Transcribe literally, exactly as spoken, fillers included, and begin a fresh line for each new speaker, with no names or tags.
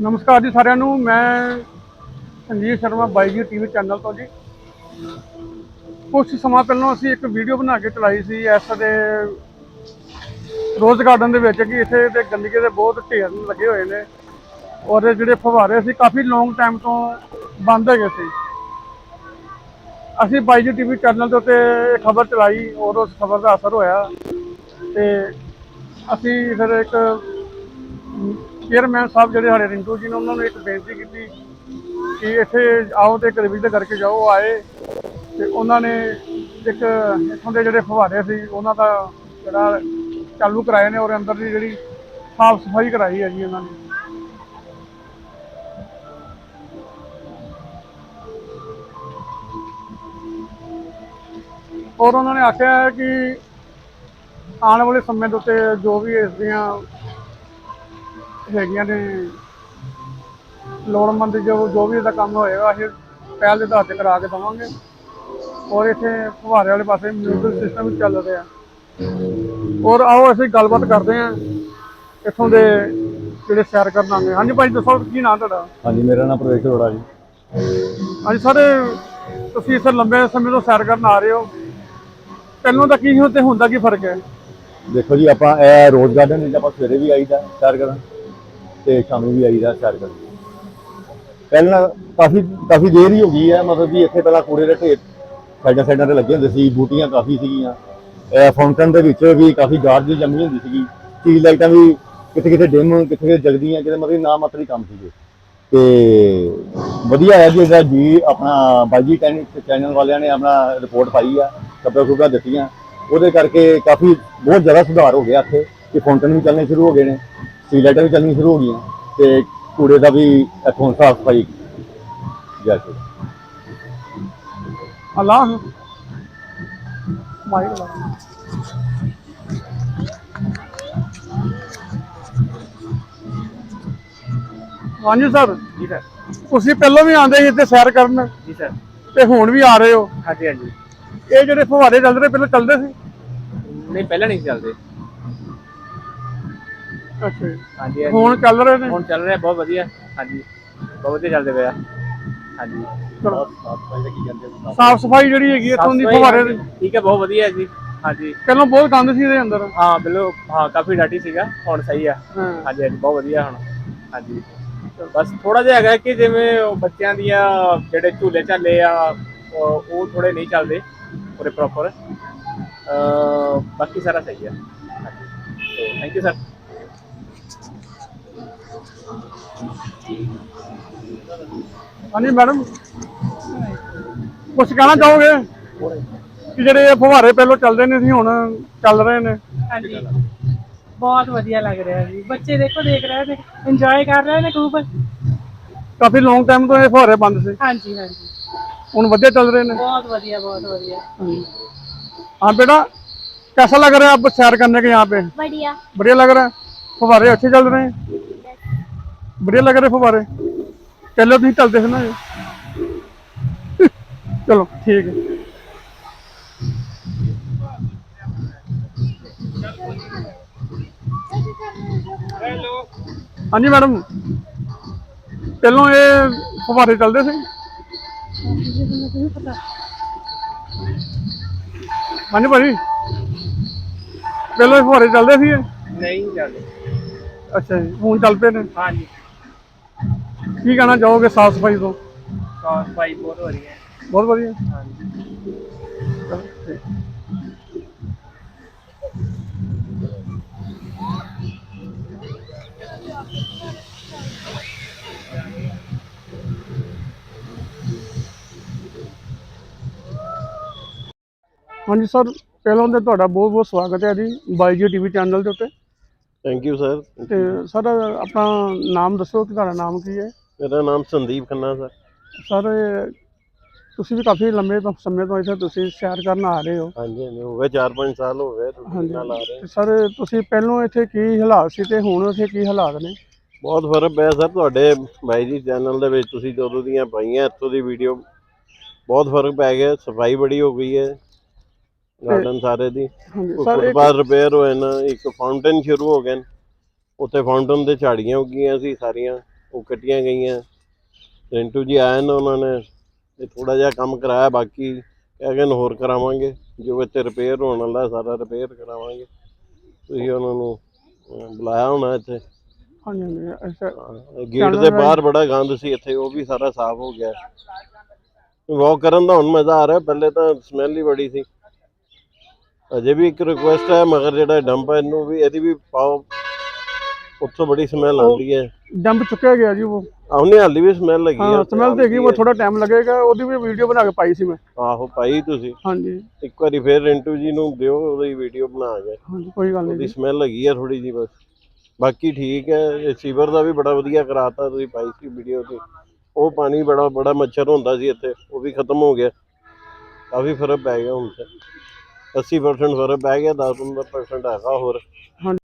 नमस्कार जी सारिਆਂ ਨੂੰ। मैं संजीव शर्मा बाई जी टीवी चैनल तो जी कुछ समा पहलों असी एक वीडियो बना के चलाई सी इस दे रोज़ गार्डन के कि इत्थे ते गंदगी के बहुत ढेर लगे हुए हैं और जोड़े फवारे से काफ़ी लॉन्ग टाइम तो बंद है सी। असी बाई जी टीवी चैनल के उत्ते खबर चलाई और उस खबर का असर होया ते असी फिर एक चेयरमैन साहब जोड़े साढ़े रिंकू जी ने उन्होंने एक बेनती की कि इत्थे आओ तो एक रिविज़न करके जाओ। आए तो उन्होंने एक इतों के जोड़े फवारे से उन्होंने जोड़ा चालू कराए ने और अंदर की जी साफ सफाई कराई है जी उन्होंने। और उन्होंने आख्या है कि आने वाले समय के उत्ते जो भी इसदियाँ हैगियां ने लोड़मंद जो जो भी इसका काम होएगा असीं पहल के आधार पर करा के देवांगे। और इत्थे फुहारे वाले पासे म्यूजिक सिस्टम भी चल रहा है। और आओ असीं गलबात करते हैं इत्थों के जिहड़े सैर करन आंदे। हाँ जी भाई दसो की नाम तुहाडा?
हाँ जी, मेरा नाम प्रवेश अरोड़ा जी।
हाँ जी सर, तुसीं इत्थे लंबे समय तो सैर करन आ रहे हो, पहलों दा की ते हुण दा की फर्क है?
देखो जी, आप रोज़ गार्डन आप सवेरे भी आईदा सैर करन ते शामी भी आईदा सैर करन। पहला काफ़ी काफ़ी देर ही हो गई है, मतलब कि इत्थे पहला कूड़े के ढेर साइडां साइडां ते लगे हुंदे सी, बूटियां काफ़ी सीगियां, फाउंटन दे विच भी काफ़ी गाड़ जी जमी हुंदी सीगी, स्ट्रीट लाइटां भी किते किते डिम किते किते जगदियां, किते मतलब ना मात्र ही काम सीगे। तो वधिया है जी जी अपना बाई जी चैनल वालियां ने अपना रिपोर्ट पाई है, खबरां खुबरां दित्तियां, वो करके काफ़ी बहुत ज़्यादा सुधार हो गया इत्थे कि फाउंटन भी चलने शुरू हो गए हैं, स्ट्रीट लाइटां भी चलनी शुरू हो गई, तो कूड़े का भी इत्थों साफ सफाई जैसे
अल्लाह माइक ला। हाँ जी सर,
जी सर।
तुसीं पहलों भी आंदे सी इत्थे सैर करन
जी सर।
ते हुण भी आ रहे हो?
हाँ जी हाँ जी।
ये जोड़े फुहारे चल रहे पहले चलते सी?
नहीं पहले नहीं चलते।
अच्छा जी,
हाँ जी हाँ जी।
हुण चल रहे ने?
हुण चल रहे बहुत वधिया। हाँ जी, बहुत वधिया चलते पे। हाँ जी।
चलो,
साफ सफाई का की कहते
साफ सफाई जिहड़ी हैगी
साफ
इत्थों दी
सफाई हाँ
फुहारे
जी
दी?
ठीक है, बहुत वधिया है जी। हाँ जी।
पहलों बहुत गंद सी इहदे अंदर।
हाँ बिल्कुल, हाँ काफ़ी डाटी सीगा, हुण सही है।
हाँ
हाँ जी हाँ जी, बहुत वधिया हुण। हाँ जी, बस थोड़ा जिहा हैगा कि जिवें बच्चों दियां जिहड़े झूले झाले आ वो थोड़े नहीं चलते पूरे प्रॉपर, बाकी सारा सही है। हाँ जी, तो थैंक यू सर।
हाँ जी मैडम, कुछ कहना चाहोगे कि ਜਿਹੜੇ ਫੁਹਾਰੇ ਪਹਿਲੋਂ ਚੱਲਦੇ ਨਹੀਂ ਸੀ ਹੁਣ ਚੱਲ ਰਹੇ ਨੇ?
ਹਾਂਜੀ ਬਹੁਤ ਵਧੀਆ ਲੱਗ ਰਿਹਾ ਜੀ। ਬੱਚੇ ਦੇਖੋ ਦੇਖ ਰਹੇ ਨੇ, ਇੰਜੋਏ ਕਰ ਰਹੇ ਨੇ ਖੂਬ।
ਕਾਫੀ ਲੌਂਗ ਟਾਈਮ ਤੋਂ ਇਹ ਫੁਹਾਰੇ ਬੰਦ ਸੀ,
ਹਾਂਜੀ ਹਾਂਜੀ
ਹੁਣ ਵਧੀਆ ਚੱਲ रहे हैं?
बहुत बढ़िया बहुत बढ़िया।
हाँ बेटा, कैसा लग रहा है आपको सैर करने के यहाँ पे?
बढ़िया।
बढ़िया लग रहा है? फुहारे अच्छे चल रहे हैं? बढ़िया लग रहे फुहारे? पहले तो नहीं चलते थे ना ये। चलो ठीक है। हाँ जी मैडम, पहलों ये फुहारे चलते थे? हाँ जी भाजी, पहलों फुहारे चलते थे?
नहीं चलते।
अच्छा जी, हूँ चल पे ने?
हाँ जी,
की कहना चाहोगे साफ सफाई तो?
साफ सफाई बहुत हो रही है।
बहुत बढ़िया।
हाँ जी।
चलो ठीक। हाँ जी सर, पहलों तो तुहाडा बहुत बहुत स्वागत है जी बाई जी टीवी चैनल के उत्ते।
Thank you sir.
ते सर अपना नाम दसो कि तुहाडा नाम की है?
मेरा नाम संदीप खन्ना सर।
सर तुसीं भी काफ़ी लंबे तो समय तो इत्थे तुसीं सैर करन आ रहे हो?
हाँ जी हाँ जी, हो गए चार पाँच साल हो गए
हाँ
रूटीन नाल आ रहे
जी,
हैं।
सर तुसीं पहलों इत्थे की हालात सी ते हुण इत्थे की हालात ने?
बहुत फर्क ਪਿਆ सर ਤੁਹਾਡੇ ਬਾਈ ਜੀ ਚੈਨਲ ਦੇ ਵਿੱਚ ਤੁਸੀਂ ਜਦੋਂ ਦੀਆਂ ਪਾਈਆਂ ਇੱਥੋਂ ਦੀ ਵੀਡੀਓ ਬਹੁਤ ਫਰਕ ਪੈ ਗਿਆ, ਸਫਾਈ ਬੜੀ ਹੋ ਗਈ ਹੈ
ਤੇ
ਗਾਰਡਨ ਸਾਰੇ ਦੀ।
हाँ जी
ਕੋਈ
सर एक
ਫੁੱਟਪਾਥ ਰਿਪੇਅਰ ਹੋਏ ਨਾ, ਇੱਕ ਫਾਊਂਟੇਨ ਸ਼ੁਰੂ ਹੋ ਗਏ, ਉੱਥੇ ਫਾਊਂਟੇਨ ਦੇ ਝਾੜੀਆਂ ਉੱਗੀਆਂ ਸੀ ਸਾਰੀਆਂ, ਉਹ ਕੱਟੀਆਂ ਗਈਆਂ। ਰਿੰਟੂ ਜੀ ਆਏ ਨੇ, ਉਹਨਾਂ ਨੇ ਇਹ ਥੋੜਾ ਜਿਹਾ ਕੰਮ ਕਰਾਇਆ, ਬਾਕੀ ਕਹਿ ਗਏ ਹੋਰ ਕਰਾਵਾਂਗੇ। ਜੋ ਇੱਥੇ ਰਿਪੇਅਰ ਹੋਣ ਵਾਲਾ ਸਾਰਾ ਰਿਪੇਅਰ ਕਰਾਵਾਂਗੇ। ਤੁਸੀਂ ਉਹਨਾਂ ਨੂੰ ਅਹ, ਬੁਲਾਇਆ ਹੋਣਾ ਇੱਥੇ।
ਹਾਂਜੀ ਹਾਂਜੀ ਅੱਛਾ
ਗੇਟ ਦੇ ਬਾਹਰ ਬੜਾ ਗੰਦ ਸੀ ਇੱਥੇ, ਉਹ ਵੀ ਸਾਰਾ ਸਾਫ਼ ਹੋ ਗਿਆ। ਵਾਕ ਕਰਨ ਦਾ ਹੁਣ ਮਜ਼ਾ ਆ ਰਿਹਾ, ਪਹਿਲੇ ਤਾਂ ਸਮੈਲ ਹੀ ਬੜੀ ਸੀ। ਅਜੇ ਵੀ ਇੱਕ ਰਿਕੁਐਸਟ ਹੈ, ਮਗਰ ਜਿਹੜਾ ਡੰਪ ਹੈ ਇਹਨੂੰ ਵੀ ਇਹਦੀ ਵੀ ਪਾਓ, ਉੱਥੋਂ ਬੜੀ ਸਮੈਲ ਆਉਂਦੀ ਹੈ।
ਡੰਪ ਚੁੱਕਿਆ ਗਿਆ ਜੀ ਉਹ।
ਆਉਣੀ ਹਾਲੀ ਵੀ ਸਮੈਲ ਲੱਗੀ
ਹਾਂ
ਹੈ।
ਸਮੈਲ ਤੇ ਹੈਗੀ, ਉਹ ਥੋੜਾ ਟਾਈਮ ਲੱਗੇਗਾ। ਉਹਦੀ ਵੀ ਵੀਡੀਓ ਬਣਾ ਕੇ ਪਾਈ ਸੀ ਮੈਂ।
ਆਹੋ ਪਾਈ ਤੁਸੀਂ
ਹਾਂਜੀ
ਇੱਕ ਵਾਰੀ ਫੇਰ ਰਿੰਟੂ ਜੀ ਨੂੰ ਦਿਓ ਉਹਦੀ ਵੀਡੀਓ ਬਣਾ ਕੇ।
ਹਾਂਜੀ ਕੋਈ ਗੱਲ ਨਹੀਂ
ਉਹਦੀ
ਜੀ।
ਸਮੈਲ ਹੈਗੀ ਆ ਥੋੜੀ ਜੀ ਬਸ, ਬਾਕੀ ਠੀਕ ਹੈ। ਇਹ ਸੀਵਰ ਦਾ ਵੀ ਬੜਾ ਵਧੀਆ ਕਰਾਤਾ, ਤੁਸੀਂ ਪਾਈ ਸੀ ਵੀਡੀਓ ਤੇ। ਉਹ ਪਾਣੀ ਬੜਾ ਬੜਾ ਮੱਛਰ ਹੁੰਦਾ ਸੀ ਇੱਥੇ, ਉਹ ਵੀ ਖਤਮ ਹੋ ਗਿਆ। ਕਾਫੀ ਫਰਕ ਪੈ ਗਿਆ ਹੁਣ ਤੇ, ਅੱਸੀ ਪਰਸੈਂਟ ਫਰਕ ਪੈ ਗਿਆ, ਦਸ ਪੰਦਰਾਂ ਪਰਸੈਂਟ ਹੈਗਾ ਹੋਰ।